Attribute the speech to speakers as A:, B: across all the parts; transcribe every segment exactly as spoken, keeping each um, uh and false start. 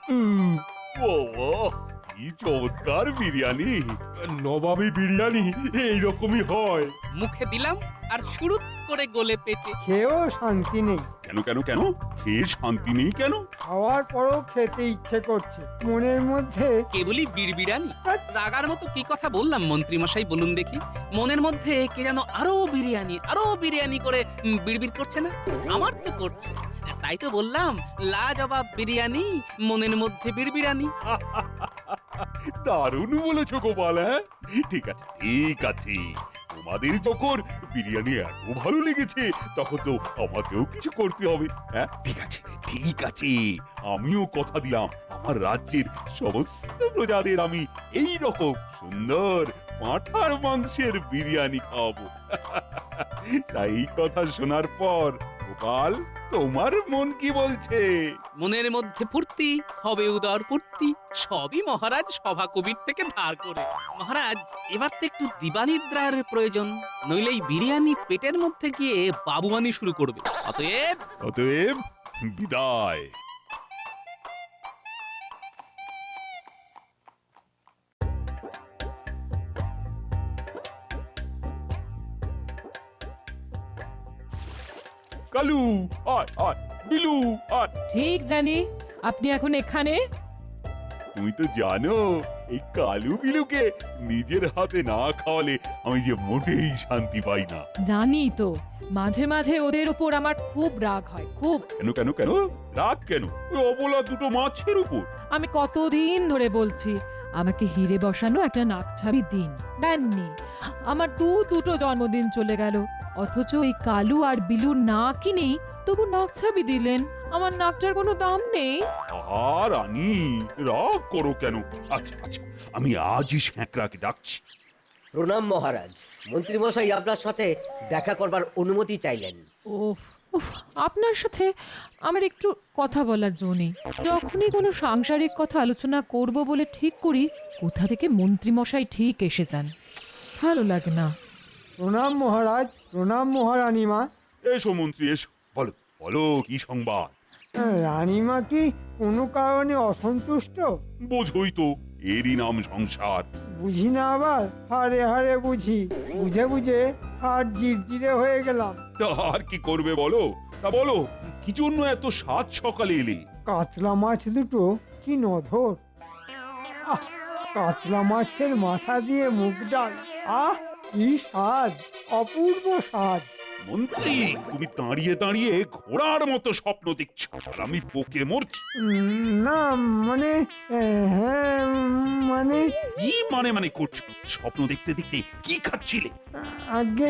A: উম, বাবা, কি চমৎকার বিরিয়ানি।
B: নবাবী বিরিয়ানি এইরকমই হয়।
C: মুখে দিলাম আর শুরুত করে গলে পেটে।
D: খেয়েও শান্তি নেই,
A: কেন কেন কেন খেয়ে শান্তি নেই কেন?
D: খাওয়ার পরও খেতে ইচ্ছে করছে। মনের মধ্যে
C: কেবলই বিড়বিড়ানি। রাগার মতো কি কথা বললাম মন্ত্রী মশাই বলুন দেখি? মনের মধ্যে কে যেন আরো বিরিয়ানি আরো বিরিয়ানি করে উম, বিড়বিড় করছে না? আমার তো করছে। তাই তো বললাম লাজবাব বিরিয়ানি, মনের মধ্যে বিড়বিড়ানি।
A: দারুণ বলেছো গোপাল। হ্যাঁ, ঠিক আছে ঠিক আছে, তোমাদের যখন বিরিয়ানি এত ভালো লেগেছে তখন তো আমাকেও কিছু করতে হবে। হ্যাঁ, ঠিক আছে ঠিক আছে, আমিও কথা দিলাম আমার রাজ্যের সমস্ত প্রজাদের আমি এই রকম সুন্দর পাঁঠার মাংসের বিরিয়ানি খাওয়াবো। তাই এই কথা শোনার পর গোপাল, তোমার মন কি বলছে?
C: মনের মধ্যে ফুর্তি, হবে উদর ফুর্তি, সবই মহারাজ সভা কবির থেকে ধার করে। মহারাজ, এবার তো একটু দিবানিদ্রার প্রয়োজন, নইলে এই বিরিয়ানি পেটের মধ্যে গিয়ে বাবুয়ানি শুরু করবে। অতএব
A: অতএব বিদায়। কালু আয় আয়, বিলু আয়।
E: ঠিক জানি আপনি এখন এখানে।
A: তুমি তো জানো এই কালু বিলুকে নিজের হাতে না খাওয়ালে আমি যে মোটেই শান্তি পাই না।
E: জানি তো, মাঝে মাঝে ওদের উপর আমার খুব রাগ হয়, খুব।
A: কেন কেন কেন রাগ কেন? ওই অবলা দুটো মাছের উপর।
E: আমি কতদিন ধরে বলছি আমাকে হিরে বসানো একটা নাকছাবি দিন, দেননি। আমার দু দুটো জন্মদিন চলে গেল, অথচ এই কালু আর বিলুর নাক কিনেই তবু নাকছাবি দিলেন। আমার নাকটার কোনো দাম নেই।
A: আর রানী রাগ করো কেন? আচ্ছা আচ্ছা, আমি আজই স্যাঁকড়াকে ডাকছি।
F: প্রণাম মহারাজ, মন্ত্রীমশাই আপনার সাথে দেখা করবার অনুমতি চাইলেন।
E: ওফ উফ, আপনার সাথে আমার একটু কথা বলার জো নেই। যখনই কোনো সাংসারিক কথা আলোচনা করব বলে ঠিক করি, কোথা থেকে মন্ত্রীমশাই ঠিক এসে যান, ভালো লাগে না।
D: প্রণাম মহারাজ, প্রণাম মহারানীমা।
A: এসো মন্ত্রী এসো, বলো বলো কি সংবাদ?
D: রানীমা কি কোনো কারণে অসন্তুষ্ট?
A: বোঝই তো, এরই নাম সংসার।
D: বুঝি না আবার হারে হারে বুঝি, বুঝে বুঝে আর জিরজিরে হয়ে গেলাম।
A: তা আর কি করবে বলো? তা বলো কি জন্য এত সাত সকালে এলে?
D: কাতলা মাছ দুটো কি নধর! আহ, কাতলা মাছের মাথা দিয়ে মুগ ডাল, আহ কি স্বাদ, অপূর্ব স্বাদ।
A: মন্ত্রী, তুমি দাঁড়িয়ে দাঁড়িয়ে ঘোড়ার মতো স্বপ্ন দেখছো আর আমি বকে মরছি।
D: উম, না মানে আহ, হ্যাঁ উম, মানে
A: কি মানে মানে করছো? স্বপ্ন দেখতে দেখতে কি খাচ্ছিলে?
D: আগে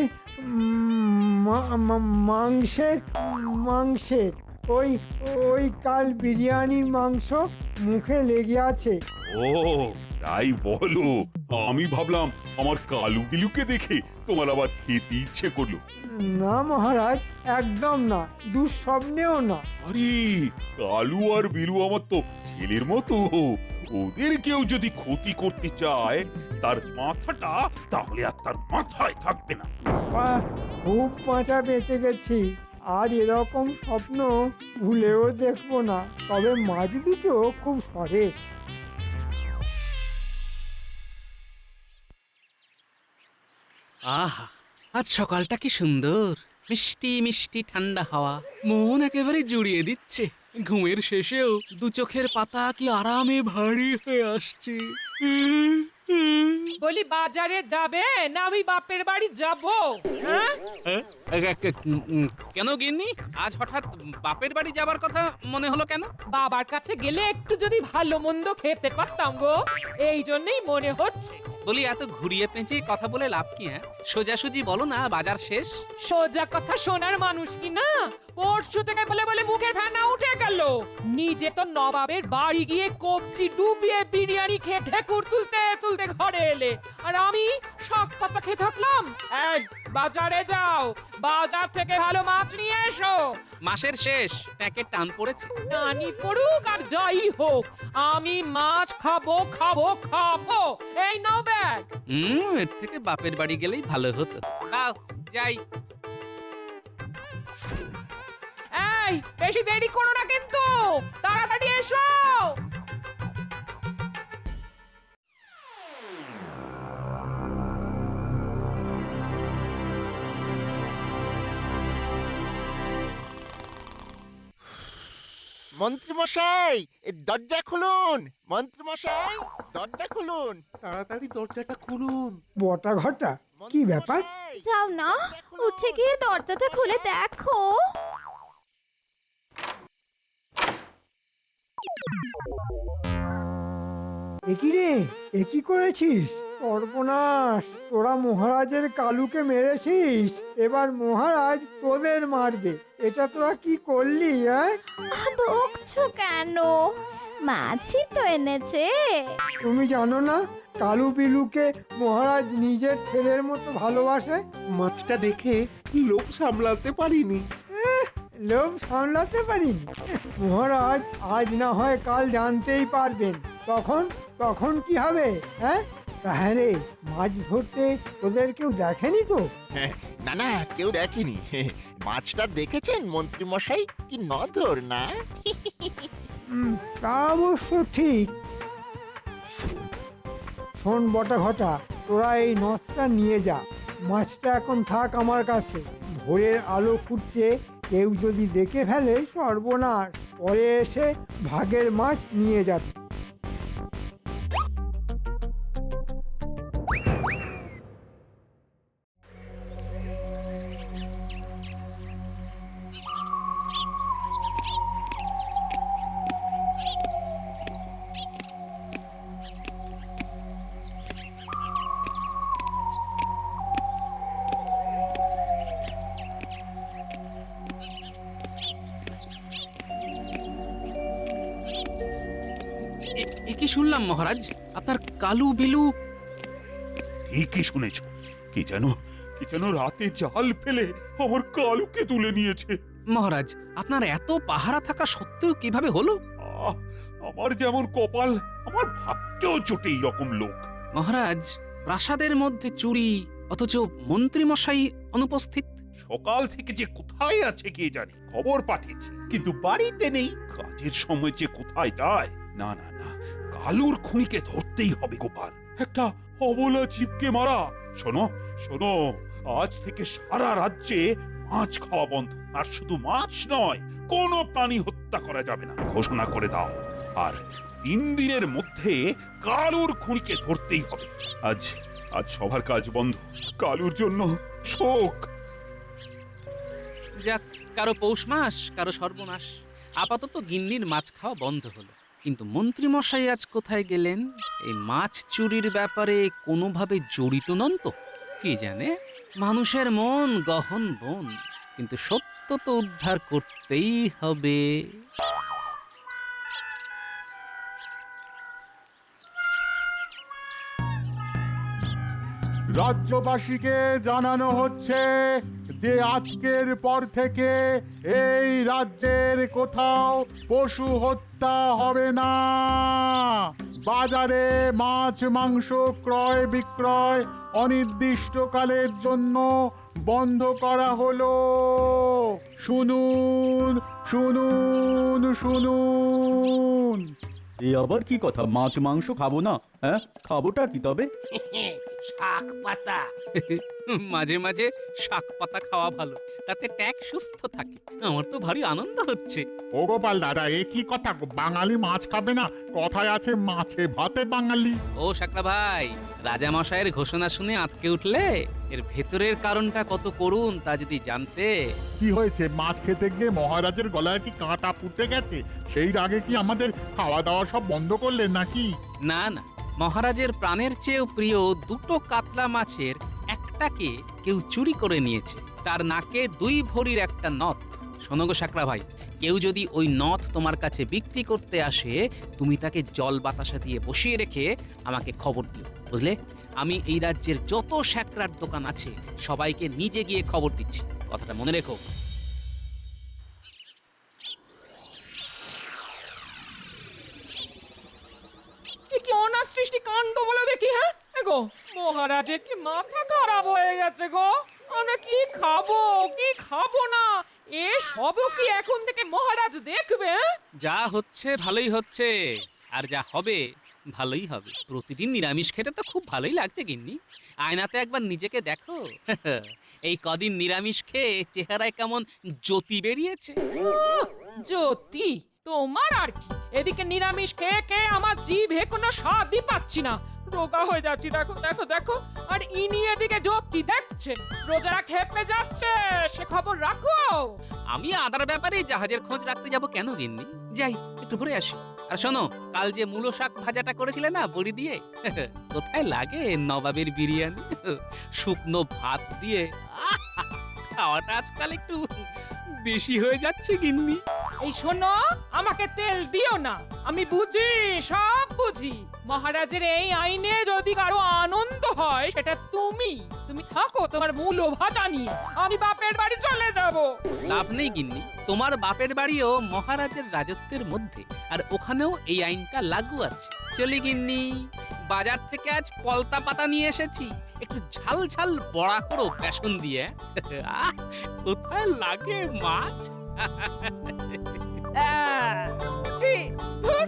D: উম, মা- মা- মাংসের মাংসের ওই ওই কাল বিরিয়ানির মাংস মুখে লেগে আছে।
A: ও তাই বলো, আমি ভাবলাম আমার কালু বিলুকে দেখে তোমার আবার খেতে ইচ্ছে করলো।
D: না মহারাজ, একদম না, দুঃস্বপ্নেও না।
A: আরে কালু আর বিলু আমার তো ছেলের মতো, ওদের কেউ যদি ক্ষতি করতে চায় তার মাথাটা তাহলে আর তার মাথায় থাকবে না।
D: বাহ, খুব বাঁচা বেঁচে গেছি, আর এরকম স্বপ্ন ভুলেও দেখবো না। তবে মাছ দুটো খুব সরেস।
C: আহা, আজ সকালটা কি সুন্দর, মিষ্টি মিষ্টি ঠান্ডা হাওয়া মন একেবারে জুড়িয়ে দিচ্ছে। ঘুমের শেষেও দু চোখের পাতা কি আরামে ভারী হয়ে আসছে।
E: বলি বাজারে যাবে না আমি বাপের বাড়ি যাব? হ্যাঁ,
C: হ্যাঁ? উম, কেন গিন্নি, আজ হঠাৎ বাপের বাড়ি যাবার কথা মনে হলো কেন?
E: বাবার কাছে গেলে একটু যদি ভালো মন্দ খেতে পারতাম গো, এই জন্যই মনে হচ্ছে।
C: বলি এত ঘুরিয়ে পেঁচিয়ে কথা বলে লাভ কি? হ্যাঁ, সোজাসুজি বলো না, বাজার শেষ।
E: সোজা কথা শোনার মানুষ কি না? পরশু থেকে বলে বলে মুখের ফেনা উঠে গেল। নিজে তো নবাবের বাড়ি গিয়ে কবজি ডুবিয়ে বিরিয়ানি খেয়ে ঢেকুর তুলতে তুলতে ঘরে এলে, আর আমি শাক পাতা খেয়ে থাকলাম। এই, বাজারে যাও, বাজার থেকে ভালো মাছ নিয়ে এসো।
C: মাসের শেষ, ট্যাঁকের টান পড়েছে।
E: টানি পড়ুক আর যাই হোক, আমি মাছ খাবো খাবো খাবো। এই নাও ব্যাগ।
C: হুম, এর থেকে বাপের বাড়ি গেলেই ভালো হতো। দাও যাই।
E: এই, বেশি দেরি করো না কিন্তু, তাড়াতাড়ি এসো।
G: মন্ত্রীমশাই এ দরজা খুলুন, মন্ত্রীমশাই দরজা খুলুন।
B: তাড়াতাড়ি দরজাটা খুলুন।
D: বটা ঘটা কি ব্যাপার?
G: মন্ত্রীমশাই,
H: যাও না,
G: দরজা খুলুন।
H: উঠে গিয়ে দরজাটা খুলে দেখো।
D: একই রে, একই করেছিস? সর্বনাশ, তোরা মহারাজের কালুকে মেরেছিস, এবার মহারাজ তোদের মারবে। এটা তোরা কি করলি? হ্যাঁ,
H: আহ, বকছো কেন? মাছই তো এনেছে।
D: তুমি জানো না কালু বিলুকে মহারাজ নিজের ছেলের মতো ভালোবাসে?
B: মাছটা দেখে লোভ সামলাতে পারিনি।
D: লোভ সামলাতে পারিনি। মহারাজ আজ না হয় কাল জানতেই পারবেন। তখন তখন কি হবে? হ্যাঁ হ্যাঁ রে, মাছ ধরতে তোদের কেউ দেখেনি তো?
G: না না, কেউ দেখেনি। মাছটা দেখেছেন মন্ত্রীমশাই? কি নধর না?
D: হুম, তা অবশ্য ঠিক। শোন বটা ঘটা, তোরা এই নথটা নিয়ে যা। মাছটা এখন থাক আমার কাছে। ভোরের আলো ফুটছে, কেউ যদি দেখে ফেলে সর্বনাশ। পরে এসে ভাগের মাছ নিয়ে যাবে।
C: এ- এ কি শুনলাম মহারাজ, আপনার কালু বিলু?
A: ঠিকই শুনেছ। কি যেন কি যেন রাতে জাল ফেলে আমার কালুকে তুলে নিয়েছে।
C: মহারাজ, আপনার এত পাহারা থাকা সত্ত্বেও কিভাবে হলো?
A: আহ, আমার যেমন কপাল, আমার ভাগ্যেও জোটে এইরকম লোক।
C: মহারাজ, প্রাসাদের মধ্যে চুরি, অথচ মন্ত্রী মশাই অনুপস্থিত।
A: সকাল থেকে যে কোথায় আছে কে জানে, খবর পাঠিয়েছি কিন্তু বাড়িতে নেই। কাজের সময় যে কোথায় যায়। না না না, কালুর খুনিকে ধরতেই হবে গোপাল। একটা অবলা জীবকে মারা। শোনো শোনো, আজ থেকে সারা রাজ্যে মাছ খাওয়া বন্ধ। আর শুধু মাছ নয়, কোনো প্রাণী হত্যা করা যাবে না ঘোষণা করে দাও। আর তিন দিনের মধ্যে কালুর খুনিকে ধরতেই হবে। আজ আজ সবার কাজ বন্ধ। কালুর জন্য শোক।
C: যাক, কারো পৌষ মাস, কারো সর্বনাশ। আপাতত গিন্নির মাছ খাওয়া বন্ধ হলো। কিন্তু মন্ত্রী মশাই আজ কোথায় গেলেন? এই মাছ চুরির ব্যাপারে কোনোভাবে জড়িত নন তো? কি জানে, মানুষের মন গহন বন, কিন্তু সত্য তো উদ্ধার করতেই হবে।
I: রাজ্যবাসীকে জানানো হচ্ছে যে আজকের পর থেকে এই রাজ্যের কোথাও পশু হত্যা হবে না। বাজারে মাছ মাংস ক্রয় বিক্রয় অনির্দিষ্টকালের জন্য বন্ধ করা হলো। শুনুন শুনুন শুনুন।
J: এই আবার কি কথা? মাছ মাংস খাবো না? হ্যাঁ, খাবোটা কি তবে?
C: শাক পাতা। মাঝে মাঝে শাক পাতা খাওয়া ভালো, তাতে ট্যাক সুস্থ থাকে। আমার তো ভারী আনন্দ হচ্ছে।
I: ও গোপাল দাদা, এ কি কথা? বাঙালি মাছ খাবে না? কথায় আছে মাছে ভাতে বাঙালি।
C: ও শাকরা ভাই, রাজা মশাইয়ের ঘোষণা শুনে আঁতকে উঠলে? এর ভেতরের কারণটা কত করুন তা যদি জানতে।
I: কি হয়েছে? মাছ খেতে গিয়ে মহারাজের গলায় কি কাঁটা ফুটে গেছে? সেই রাগে কি আমাদের খাওয়া দাওয়া সব বন্ধ করলেন নাকি?
C: না না, মহারাজের প্রাণের চেয়েও প্রিয় দুটো কাতলা মাছের একটাকে কেউ চুরি করে নিয়েছে। তার নাকে দুই ভরির একটা নথ। শোনো গো শাকরা ভাই, কেউ যদি ওই নথ তোমার কাছে বিক্রি করতে আসে, তুমি তাকে জল বাতাসা দিয়ে বসিয়ে রেখে আমাকে খবর দিও, বুঝলে? আমি এই রাজ্যের যত শ্যাকরার দোকান আছে সবাইকে নিজে গিয়ে খবর দিচ্ছি, কথাটা মনে রেখো।
E: এ কি অনাসৃষ্টি কাণ্ড বলে দেখি। হ্যাঁ এগো, মহারাজের কি মাথা খারাপ হয়ে গেছে গো? আমরা কি খাবো কি খাবো না এ সবও কি এখন থেকে মহারাজ দেখবে? হ্যাঁ?
C: যা হচ্ছে ভালোই হচ্ছে, আর যা হবে ভালোই হবে। প্রতিদিন নিরামিষ খেতে তো খুব ভালোই লাগছে গিন্নি। আয়নাতে একবার নিজেকে দেখো। এই কদিন নিরামিষ খেয়ে চেহারায় কেমন জ্যোতি বেরিয়েছে।
E: জ্যোতি তোমার আর কি, এদিকে নিরামিষ খেয়ে খেয়ে আমার জিভে কোনো স্বাদই পাচ্ছি না, রোগা হয়ে যাচ্ছি। দেখো দেখো দেখো, আর ইনি এদিকে জ্যোতি দেখছেন রোজারা খেপে যাচ্ছে, সে খবর রাখো।
C: আমি আদার ব্যাপারে জাহাজের খোঁজ রাখতে যাব কেন গিন্নি? যাই একটু ঘুরে আসি। আর শোনো, কাল যে মূলো শাক ভাজাটা করেছিলে না বড়ি দিয়ে, কোথায় লাগে নবাবের বিরিয়ানি শুকনো ভাত দিয়ে। আহা! খাওয়াটা আজকাল একটু বেশি হয়ে যাচ্ছে গিন্নি।
E: এই শোনো, আমাকে তেল দিও না, আমি বুঝি, সব বুঝি। মহারাজের এই আইনে যদি কারো আনন্দ হয় সেটা তুমি তুমি থাকো তোমার মূল ভাজা নিয়ে, আমি বাপের বাড়ি চলে যাব।
C: লাভ নেই গিন্নি, তোমার বাপের বাড়িও মহারাজের রাজত্বের মধ্যে, আর ওখানেও এই আইনটা লাগু আছে। চলি গিন্নি, বাজার থেকে আজ পলতা পাতা নিয়ে এসেছি, একটু ঝাল ঝাল বড়া করো বেসন দিয়ে। আহ, কোথায় লাগে মাছ।
E: আহ, ছি, ধুর।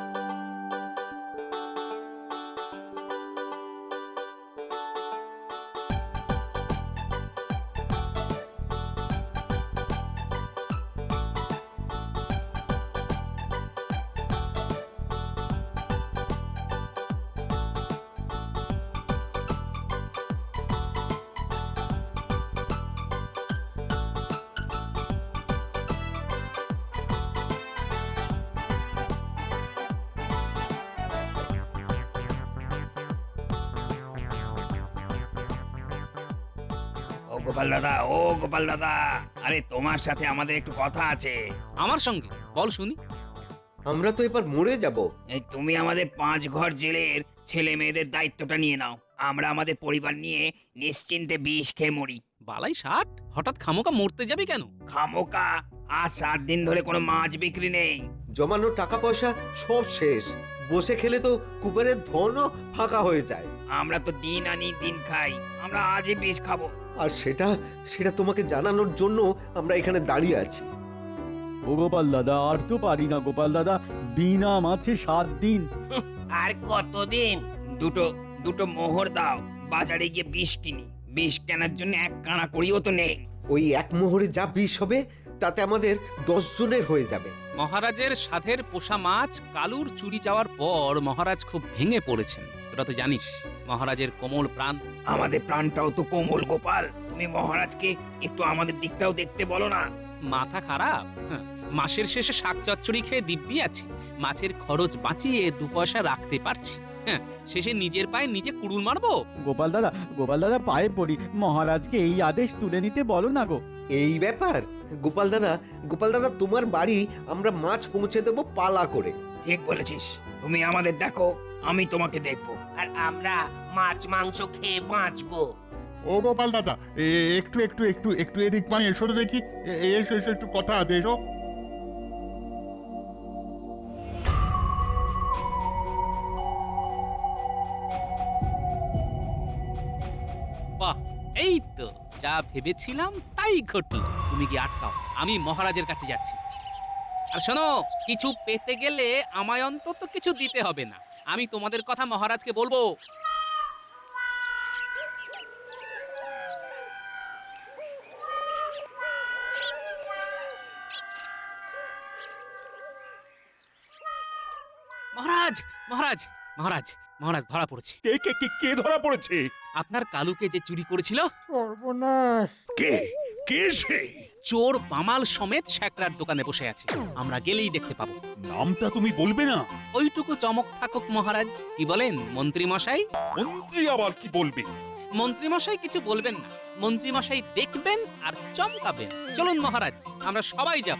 K: ও গোপাল দাদা, ও গোপাল দাদা, আরে তোমার সাথে আমাদের একটু কথা আছে।
C: আমার সঙ্গে বল শুনি।
F: আমরা তো এবার মরে যাব।
K: এই তুমি আমাদের পাঁচ ঘর জেলের ছেলে মেয়েদের দায়িত্বটা নিয়ে নাও, আমরা আমাদের পরিবার নিয়ে নিশ্চিন্তে বিষ খেয়ে মরি।
C: বালাই ষাট, হঠাৎ খামোকা মরতে যাবি কেন?
K: খামোকা, আজ সাত দিন ধরে কোনো মাছ বিক্রি নেই।
F: জমানো টাকা পয়সা সব শেষ, বসে খেলে তো কুবেরের ধনও ফাঁকা হয়ে যায়।
K: আমরা তো দিন আনি দিন খাই, আমরা আজই বিষ খাবো।
F: আর সেটা সেটা তোমাকে জানানোর জন্য আমরা এখানে দাঁড়িয়ে আছি।
J: ও গোপাল দাদা, আর তো পারি না গোপাল দাদা, বিনা মাছে সাত দিন।
K: আর কতদিন? দুটো দুটো মোহর দাও, বাজারে গিয়ে বিষ কিনি। বিষ কেনার জন্য এক কানা করিও তো নেই।
F: ওই এক মোহরে যা বিষ হবে তাতে আমাদের দশ জনের হয়ে যাবে।
C: মহারাজের সাধের পোষা মাছ কালুর চুরি যাওয়ার পর মহারাজ খুব ভেঙে পড়েছেন, তোরা তো জানিস। মহারাজের কোমল প্রাণ।
K: আমাদের প্রাণটাও তো কোমল গোপাল, তুমি মহারাজকে একটু আমাদের দিকটাও দেখতে বলো না।
C: মাথা খারাপ? হ্যাঁ, মাসের শেষে শাক চচ্চড়ি খেয়ে দিব্যি আছি, মাছের খরচ বাঁচিয়ে দু পয়সা রাখতে পারছি। হ্যাঁ, শেষে নিজের পায়ে নিজে কুড়ুল মারবো?
J: গোপাল দাদা, গোপাল দাদা পায়ে পড়ি, মহারাজকে এই আদেশ তুলে নিতে বলো না গো।
F: এই ব্যাপার গোপাল দাদা, গোপাল দাদা তোমার বাড়ি আমরা মাছ পৌঁছে দেবো পালা করে।
K: ঠিক বলেছিস, তুমি আমাদের দেখো, আমি তোমাকে দেখবো, আর আমরা মাছ মাংস খেয়ে বাঁচবো।
I: ও গোপাল দাদা, এ একটু একটু একটু একটু এদিক মানে এসো তো দেখি, এ- এসো এসো, একটু কথা আছে, এসো।
C: বাহ, এই তো যা ভেবেছিলাম তাই ঘটলো। তুমি কি আটকাও, আমি মহারাজের কাছে যাচ্ছি। আর শোনো, কিছু পেতে গেলে আমায় অন্তত কিছু দিতে হবে না, আমি তোমাদের কথা মহারাজকে বলবো। মহারাজ, মহারাজ, মহারাজ, মহারাজ ধরা পড়েছে।
A: কে কে কে কে ধরা পড়েছে?
C: আপনার কালুকে যে চুরি করেছিল।
D: সর্বনাশ!
A: কে কে সে?
C: চোর বামাল সমেত শ্যাকরার দোকানে বসে আছে, আমরা গেলেই দেখতে পাবো।
A: নামটা তুমি বলবে না?
C: ওইটুকু চমক থাকুক মহারাজ। কি বলেন মন্ত্রী মশাই?
A: মন্ত্রী আবার কি বলবে?
C: মন্ত্রী মশাই কিছু বলবেন না, মন্ত্রী মশাই দেখবেন আর চমকাবেন। চলুন মহারাজ, আমরা সবাই যাব।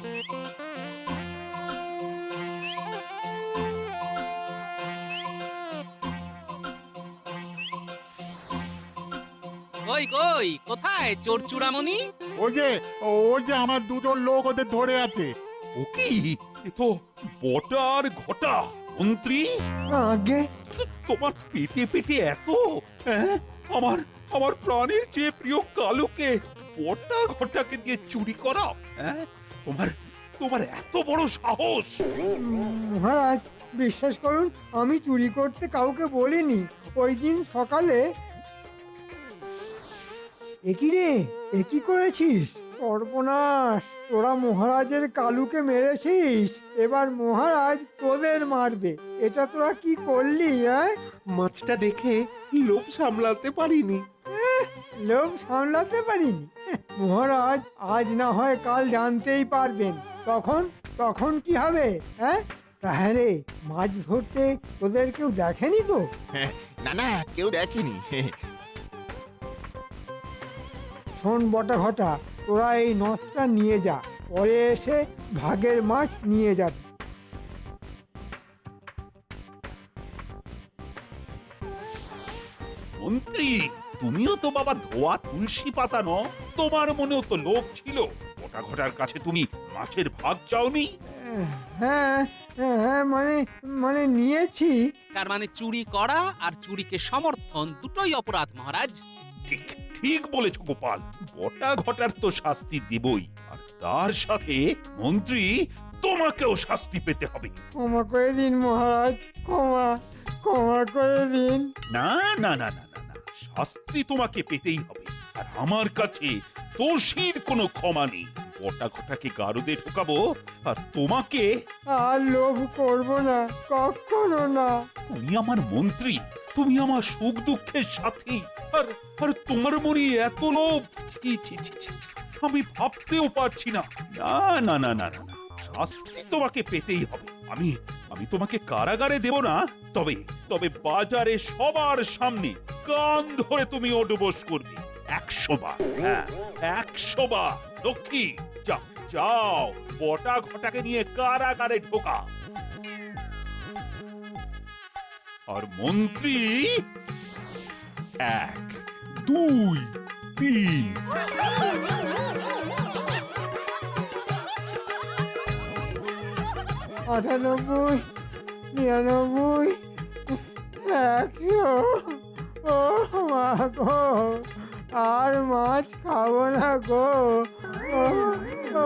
C: কই কই কোথায় চোর চূড়ামণি?
I: ওই যে ওই যে আমার দুজন লোক ওদের ধরে আছে।
A: ও কি, এ তো বটা আর ঘটা। মন্ত্রী,
D: আগে
A: তোমার পেটে পেটে এত, হ্যাঁ? আমার আমার প্রাণের চেয়ে প্রিয় কালুকে বটা ঘটাকে দিয়ে চুরি করা, হ্যাঁ? তোমার তোমার এত বড় সাহস!
D: মহারাজ, বিশ্বাস করুন, আমি চুরি করতে কাউকে বলিনি। ওই দিন সকালে। একই রে, একই করেছিস? সর্বনাশ, তোরা মহারাজের কালুকে মেরেছিস, এবার মহারাজ তোদের মারবে। এটা তোরা কি করলি? হ্যাঁ,
B: মাছটা দেখে লোভ সামলাতে পারিনি।
D: লোভ সামলাতে পারিনি? এহ, মহারাজ আজ না হয় কাল জানতেই পারবেন। তখন তখন কি হবে? হ্যাঁ, তাহলে মাছ ধরতে তোদের কেউ দেখেনি তো?
G: না না, কেউ দেখেনি।
D: শোন বটা ঘটা, তোরা এই নথটা নিয়ে যা, পরে এসে ভাগের মাছ নিয়ে যাবি।
A: মন্ত্রী, তুমিও তো বাবা ধোয়া তুলসী পাতা ন, তোমার মনেও তো লোভ ছিল। গোটা ঘটার কাছে তুমি মাছের ভাগ চাওনি?
D: আহ, হ্যাঁ হ্যাঁ, মানে মানে নিয়েছি।
C: তার মানে চুরি করা আর চুরিকে সমর্থন দুটোই অপরাধ মহারাজ।
A: ঠিক ঠিক বলেছ গোপাল, গোটা ঘটার তো শাস্তি দেবই, আর তার সাথে মন্ত্রী তোমাকেও শাস্তি পেতে হবে।
D: ক্ষমা করে দিন মহারাজ, ক্ষমা ক্ষমা করে দিন।
A: না না না না না না, শাস্তি তোমাকে পেতেই হবে। আর আমার কাছে দোষীর কোনো ক্ষমা নেই। গোটা ঘটাকে গারদে ঢোকাবো, আর তোমাকে।
D: আর লোভ করব না, কখনো না।
A: তুমি আমার মন্ত্রী, তুমি আমার সুখ দুঃখের সাথী, আর আর তোমার মনে এত লোভ! ছি ছি ছি ছি, আমি ভাবতেও পারছি না। না না না না না না, শাস্তি তোমাকে পেতেই হবে। আমি আমি তোমাকে কারাগারে দেব না, তবে তবে বাজারে সবার সামনে কান ধরে তুমি ওঠবোস করবে একশো বার। হ্যাঁ, একশো বার। লক্ষ্মী, যাও যাও, বটা ঘটাকে নিয়ে কারাগারে ঢোকা। আর মন্ত্রী, এক দুই তিন।
D: আটানব্বই, নিরানব্বই, একশো। ও মা গো, আর মাছ খাবো না গো। ও, ও।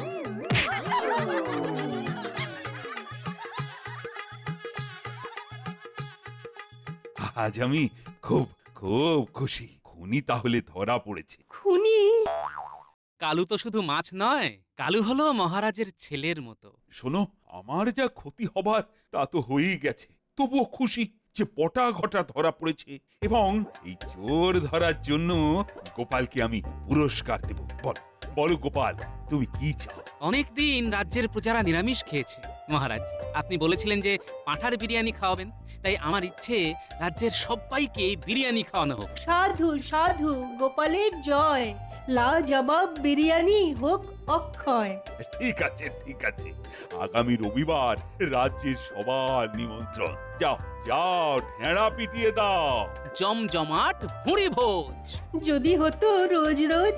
A: আজ আমি খুব খুব খুশি। খুনি তাহলে ধরা পড়েছে।
H: খুনি?
C: কালু তো শুধু মাছ নয়, কালু হলো মহারাজের ছেলের মতো।
A: শোনো, আমার যা ক্ষতি হবার তা তো হয়েই গেছে, তবুও খুশি যে বটা ঘটা ধরা পড়েছে, এবং এই চোর ধরার জন্য গোপালকে আমি পুরস্কার দেব। বল বলো গোপাল, তুমি কি চাও?
C: অনেকদিন রাজ্যের প্রজারা নিরামিষ খেয়েছে মহারাজ। আপনি বলেছিলেন যে পাঁঠার বিরিয়ানি খাওয়াবেন, তাই আমার ইচ্ছে রাজ্যের সবাইকে বিরিয়ানি খাওয়ানো হোক।
L: সাধু সাধু, গোপালের জয়। লাজবাব বিরিয়ানি হোক অক্ষয়।
A: ঠিক আছে ঠিক আছে, আগামী রবিবার রাজ্যের সবার নিমন্ত্রণ। যাও যাও, ঢেঁড়া পিটিয়ে দাও।
C: জমজমাট ভুঁড়ি ভোজ।
L: যদি হতো রোজ রোজ।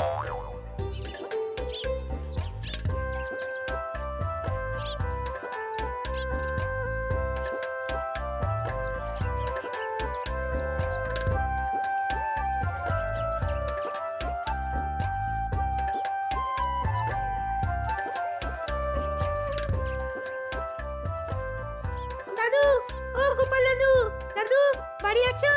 L: দাদু, ও গোপাল দাদু, দাদু বাড়ি আছো?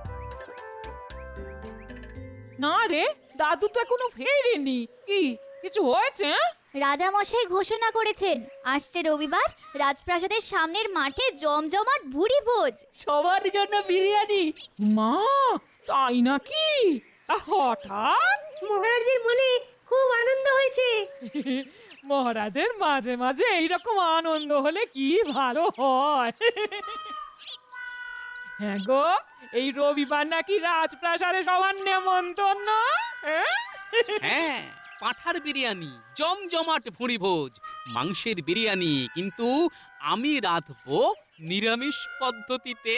E: না রে, দাদু তো এখনো ফেরেনি। কি কিছু হয়েছে?
H: রাজা মশাই ঘোষণা করেছেন আসছে রবিবার রাজপ্রাসাদের সামনের মাঠে জমজমাট ভুরি ভোজ।
L: সবার জন্য বিরিয়ানি।
E: মা, তাই নাকি? আ, হঠাৎ?
L: মহারাজের মনে খুব আনন্দ হয়েছে।
E: মহারাজের মাঝে মাঝে এইরকম আনন্দ হলে কি ভালো হয়। হ্যাঁ গো, এই রবিবার নাকি রাজপ্রাসাদে সবার নেমন্তন্ন। হ্যাঁ?
C: হ্যাঁ, পাঁঠার বিরিয়ানি, জমজমাট ভুঁড়ি ভোজ, মাংসের বিরিয়ানি, কিন্তু আমি রাঁধবো নিরামিষ পদ্ধতিতে।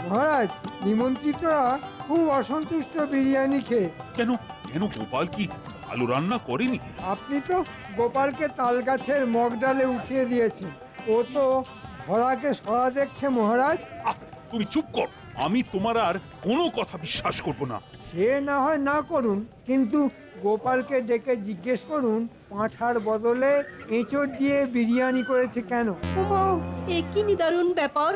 D: মহারাজ নিমন্ত্রিতরা খুব অসন্তুষ্ট বিরিয়ানি খেয়ে।
A: কেন কেন গোপাল কি ভালো রান্না করেনি?
D: আপনি তো গোপালকে তাল গাছের মগ ডালে উঠিয়ে দিয়েছেন, ও তো ধরাকে সরা দেখছে মহারাজ।
A: আহ, তুমি চুপ কর, আমি তোমার আর কোনো কথা বিশ্বাস করব না।
D: সে না হয় না করুন, কিন্তু গোপালকে ডেকে জিজ্ঞেস করুন পাঁঠার বদলে এঁচড় দিয়ে বিরিয়ানি করেছে কেন।
L: ওমা, এ কি নিদারুণ ব্যাপার!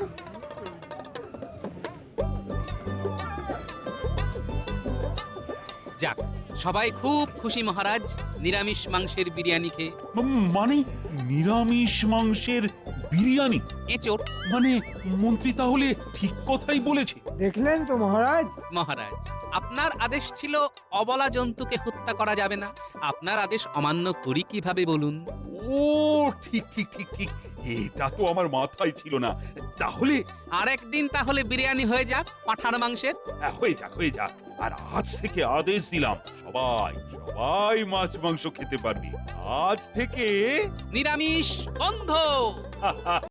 C: যাক, সবাই খুব খুশি মহারাজ নিরামিষ মাংসের বিরিয়ানি খেয়ে।
A: উম, মানে নিরামিষ মাংসের বিরিয়ানি?
C: এঁচোড়।
A: মানে মন্ত্রী তাহলে ঠিক কথাই বলেছে।
D: দেখলেন তো মহারাজ।
C: মহারাজ, আপনার আদেশ ছিল অবলা জন্তুকে হত্যা করা যাবে না। আপনার আদেশ অমান্য করি কিভাবে বলুন?
A: ও ঠিক ঠিক ঠিক ঠিক, এটা তো আমার মাথায় ছিল না। তাহলে
C: আরেকদিন তাহলে বিরিয়ানি হয়ে যাক পাঁঠার মাংসের।
A: হ্যাঁ, হয়ে যাক হয়ে যাক। আর আজ থেকে আদেশ দিলাম, সবাই সবাই মাছ মাংস খেতে পারবি। আজ থেকে
C: নিরামিষ বন্ধ।